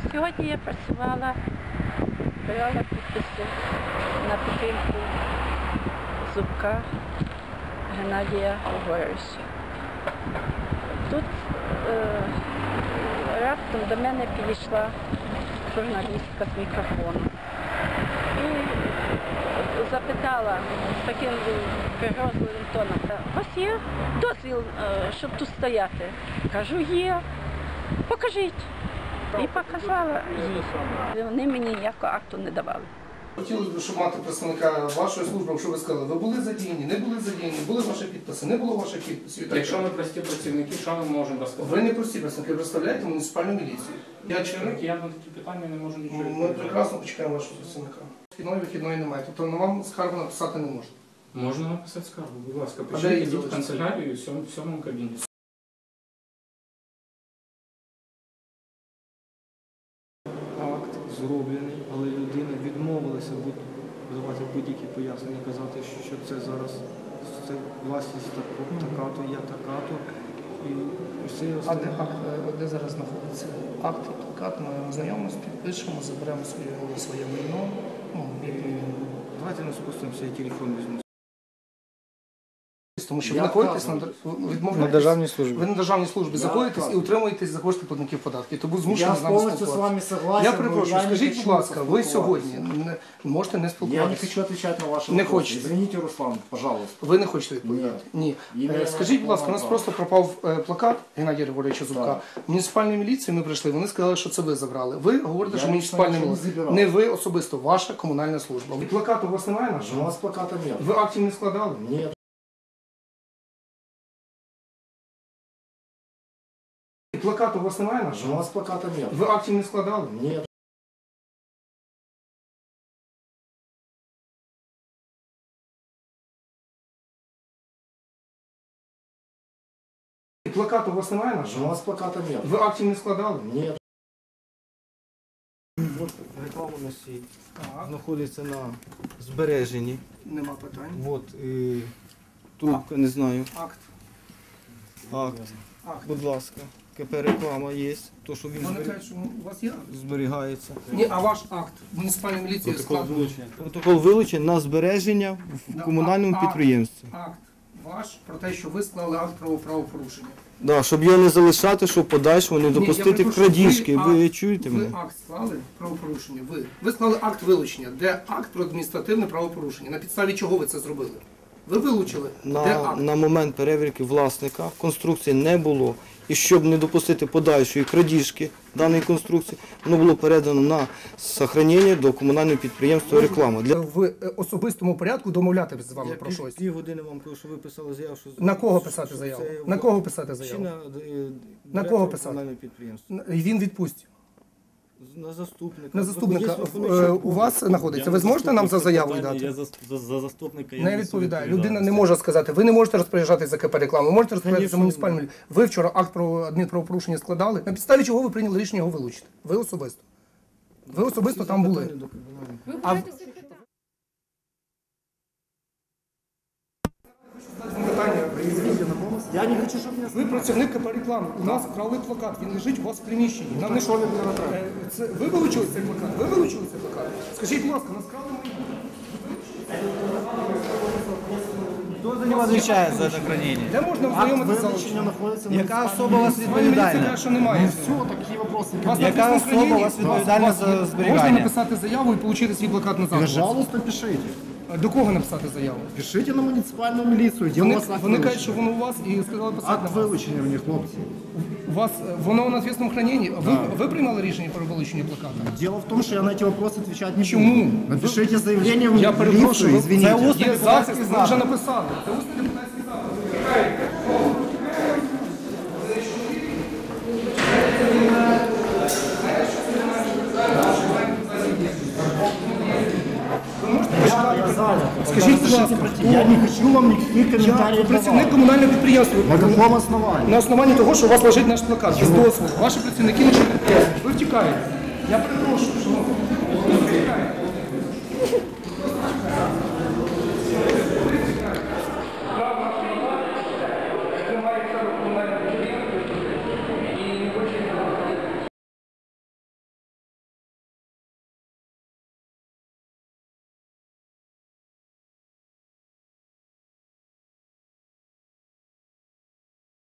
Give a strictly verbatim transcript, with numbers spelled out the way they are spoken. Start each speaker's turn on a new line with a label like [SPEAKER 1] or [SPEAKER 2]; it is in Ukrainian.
[SPEAKER 1] Сьогодні я працювала, брала підписи на підтримку Зубка Геннадія Григоровича. Тут е, раптом до мене підійшла журналістка з мікрофоном і запитала з таким пригрозливим тоном: у вас є дозвіл, щоб тут стояти? Кажу, є. Покажіть. І показала їй. Вони мені ніякого акту не давали.
[SPEAKER 2] Хотілося б, щоб мати представника вашої служби, щоб ви сказали, ви були задіяні, не були задіяні, були ваші підписи, не було ваших підписів.
[SPEAKER 3] Якщо ми прості працівники, що ми можемо розказати?
[SPEAKER 2] Ви не прості працівники, ви представляєте муніципальну міліцію.
[SPEAKER 3] Я працівник, я на такі питання не можу нічого
[SPEAKER 2] Ми
[SPEAKER 3] відповідати.
[SPEAKER 2] прекрасно почекаємо вашого представника. Вхідної, вихідної немає, тобто на вам скаргу написати не можна.
[SPEAKER 3] Можна написати скаргу, будь ласка,
[SPEAKER 2] А де
[SPEAKER 3] пишіть,
[SPEAKER 2] її
[SPEAKER 3] йдіть в
[SPEAKER 2] залишити?
[SPEAKER 3] канцелярію в сьомому, в сьомому кабінеті.
[SPEAKER 4] Акт зроблений, але людина відмовилася давати будь-які пояснення, казати, що це зараз це власність така-то, є така-то. І все
[SPEAKER 2] А де акт, де зараз знаходиться? Акт і плакат, ми ознайомимося, підпишемо, заберемо своє, своє майно. Ну, і...
[SPEAKER 4] Давайте не спустимося, я телефон візьму.
[SPEAKER 2] Тому що ви знаходитесь на,
[SPEAKER 4] На державній службі.
[SPEAKER 2] Ви на державній службі знаходитесь і утримуєтесь за кошти платників податків. Тому змушені
[SPEAKER 5] Я
[SPEAKER 2] з нами
[SPEAKER 5] полностью с
[SPEAKER 2] спілкуватися.
[SPEAKER 5] вами согласен.
[SPEAKER 2] Я
[SPEAKER 5] но
[SPEAKER 2] перепрошую,
[SPEAKER 5] я не
[SPEAKER 2] скажіть,
[SPEAKER 5] хочу
[SPEAKER 2] будь ласка, ви
[SPEAKER 5] спілкуватися.
[SPEAKER 2] сьогодні не, можете не
[SPEAKER 5] Я не
[SPEAKER 2] спілкуватися?
[SPEAKER 5] хочу отвечать на ваши
[SPEAKER 2] Не
[SPEAKER 5] вопросы.
[SPEAKER 2] хочете?
[SPEAKER 5] Извините, Руслан, пожалуйста.
[SPEAKER 2] Ви не хочете відповідати? Ні.
[SPEAKER 5] Іменно
[SPEAKER 2] Е, Скажіть, будь ласка, у нас
[SPEAKER 5] права.
[SPEAKER 2] просто пропав е, плакат Геннадія Григоровича Зубка.
[SPEAKER 5] Так.
[SPEAKER 2] В муніципальній міліції ми прийшли, вони сказали, що це ви забрали. Ви говорите,
[SPEAKER 5] Я
[SPEAKER 2] що
[SPEAKER 5] нічого
[SPEAKER 2] муніципальна
[SPEAKER 5] не
[SPEAKER 2] міліція.
[SPEAKER 5] забирав.
[SPEAKER 2] Не ви особисто, ваша комунальна служба. І плакату у вас немає
[SPEAKER 5] У
[SPEAKER 2] нашого?
[SPEAKER 5] нас плаката нет.
[SPEAKER 2] Ви актів не складали?
[SPEAKER 5] Нет.
[SPEAKER 2] І плакату у вас немає
[SPEAKER 5] У
[SPEAKER 2] нашого?
[SPEAKER 5] нас плаката нет.
[SPEAKER 2] Ви актів не складали?
[SPEAKER 5] Нет.
[SPEAKER 2] І плакату у вас немає
[SPEAKER 5] У
[SPEAKER 2] нашого?
[SPEAKER 5] нас плаката нет.
[SPEAKER 2] Ви актів не складали?
[SPEAKER 5] Нет.
[SPEAKER 4] От реклама носій знаходиться на збереженні.
[SPEAKER 2] Нема питань.
[SPEAKER 4] От і трубка, не знаю.
[SPEAKER 2] Акт.
[SPEAKER 4] Акт.
[SPEAKER 2] Акт.
[SPEAKER 4] Будь ласка. КП реклама є, то що він
[SPEAKER 2] Вони
[SPEAKER 4] зберіг-
[SPEAKER 2] кажуть, що у вас є акт?
[SPEAKER 4] зберігається.
[SPEAKER 2] Ні, а ваш акт муніципальної міліції складений.
[SPEAKER 4] Протокол вилучений на збереження в
[SPEAKER 2] Да,
[SPEAKER 4] комунальному
[SPEAKER 2] а- а-
[SPEAKER 4] підприємстві.
[SPEAKER 2] Акт ваш про те, що ви склали акт про правопорушення.
[SPEAKER 4] Да, щоб його не залишати, щоб подальшому не
[SPEAKER 2] Ні, я
[SPEAKER 4] допустити
[SPEAKER 2] перепрошую,
[SPEAKER 4] крадіжки.
[SPEAKER 2] ви
[SPEAKER 4] Ви
[SPEAKER 2] акт-
[SPEAKER 4] чуєте
[SPEAKER 2] Ви
[SPEAKER 4] мене?
[SPEAKER 2] акт склали правопорушення. Ви. Ви склали акт вилучення. Де акт про адміністративне правопорушення? На підставі чого ви це зробили? Ви вилучили. Де
[SPEAKER 4] На,
[SPEAKER 2] акт?
[SPEAKER 4] на момент перевірки власника конструкції не було. І щоб не допустити подальшої крадіжки даної конструкції, воно було передано на зберігання до комунального підприємства реклама. Для...
[SPEAKER 2] В е, особистому порядку домовлятися з вами про щось.
[SPEAKER 4] Пів години вам кажу, що ви писали заяву, що...
[SPEAKER 2] На кого
[SPEAKER 4] що-
[SPEAKER 2] писати
[SPEAKER 4] що
[SPEAKER 2] заяву?
[SPEAKER 4] це
[SPEAKER 2] На кого писати
[SPEAKER 4] Чи
[SPEAKER 2] заяву?
[SPEAKER 4] на, е,
[SPEAKER 2] На кого
[SPEAKER 4] директора
[SPEAKER 2] писати?
[SPEAKER 4] комунального підприємства?
[SPEAKER 2] І він відпустить.
[SPEAKER 4] На заступника.
[SPEAKER 2] На заступника
[SPEAKER 4] Виходить,
[SPEAKER 2] е,
[SPEAKER 4] що-
[SPEAKER 2] у вас знаходиться. Ви зможете нам за заяву
[SPEAKER 6] Я
[SPEAKER 2] дати?
[SPEAKER 6] за, за, за заступника я
[SPEAKER 2] Не
[SPEAKER 6] несу
[SPEAKER 2] відповідає.
[SPEAKER 6] відповідальність.
[SPEAKER 2] Людина не може сказати. Ви не можете розпоряджатись за КП рекламу, ви можете розпоряджатися за
[SPEAKER 4] Конечно,
[SPEAKER 2] муніципальну. Ви вчора акт про адмінправопорушення складали. На підставі чого ви прийняли рішення його вилучити? Ви особисто. Ви особисто там були.
[SPEAKER 4] Питання до комунального.
[SPEAKER 2] А в- питання.
[SPEAKER 5] Я не хочу, чтобы меня...
[SPEAKER 2] Ви працівник КП реклами. У нас вкрали плакат. Він лежить у вас в приміщенні. Нам не що це ви вилучили цей плакат? Ви вилучили цей плакат? Скажіть, будь ласка, нас вкрали мої.
[SPEAKER 7] Хто за нього відповідає за це хранення?
[SPEAKER 2] Де можна
[SPEAKER 5] Акт
[SPEAKER 2] ознайомитися?
[SPEAKER 5] вилучення находится в
[SPEAKER 7] Яка
[SPEAKER 5] муниципальном-
[SPEAKER 7] особа у вас
[SPEAKER 2] Міліція каже,
[SPEAKER 7] відповідальна?
[SPEAKER 2] що немає.
[SPEAKER 5] Все, такие вопросы.
[SPEAKER 2] Вас
[SPEAKER 7] Яка
[SPEAKER 2] написано в
[SPEAKER 7] особа у
[SPEAKER 2] храненні?
[SPEAKER 7] вас відповідальна
[SPEAKER 2] Вас-
[SPEAKER 7] за
[SPEAKER 2] Можна
[SPEAKER 7] зберігання?
[SPEAKER 2] написати заяву і отримати свій плакат назад?
[SPEAKER 5] Пожалуйста, пишите.
[SPEAKER 2] До кого написати заяву?
[SPEAKER 5] Пишите на муниципальную милицию, где у
[SPEAKER 2] Вони,
[SPEAKER 5] вас акт
[SPEAKER 2] вони
[SPEAKER 5] вилучення.
[SPEAKER 2] кажуть, що воно у вас і сказали писати
[SPEAKER 5] Акт
[SPEAKER 2] на вас.
[SPEAKER 5] вилучення в них, хлопці.
[SPEAKER 2] У вас е, воно на звісному храненні. Ви, ви приймали рішення про вилучення плаката?
[SPEAKER 5] Дело в том, что я на эти вопросы отвечать не
[SPEAKER 2] Чему?
[SPEAKER 5] буду. Напишите заявление в
[SPEAKER 2] Я перепрошую,
[SPEAKER 5] милицию,
[SPEAKER 2] ви-
[SPEAKER 5] извините.
[SPEAKER 2] Є запис, ви вже написали. Це усний депутатський запис.
[SPEAKER 5] Я занят.
[SPEAKER 2] Скажіть, будь ласка,
[SPEAKER 5] Я не хочу вам никаких комментариев
[SPEAKER 2] працівник
[SPEAKER 5] давать.
[SPEAKER 2] комунального підприємства.
[SPEAKER 5] На каком основании?
[SPEAKER 2] На основанні того, що у вас лежить наш плакат, без дозволу. Ваші працівники нічого не роблять. Ви втікаєте. Я перепрошую, шановні. Ви втікаєте.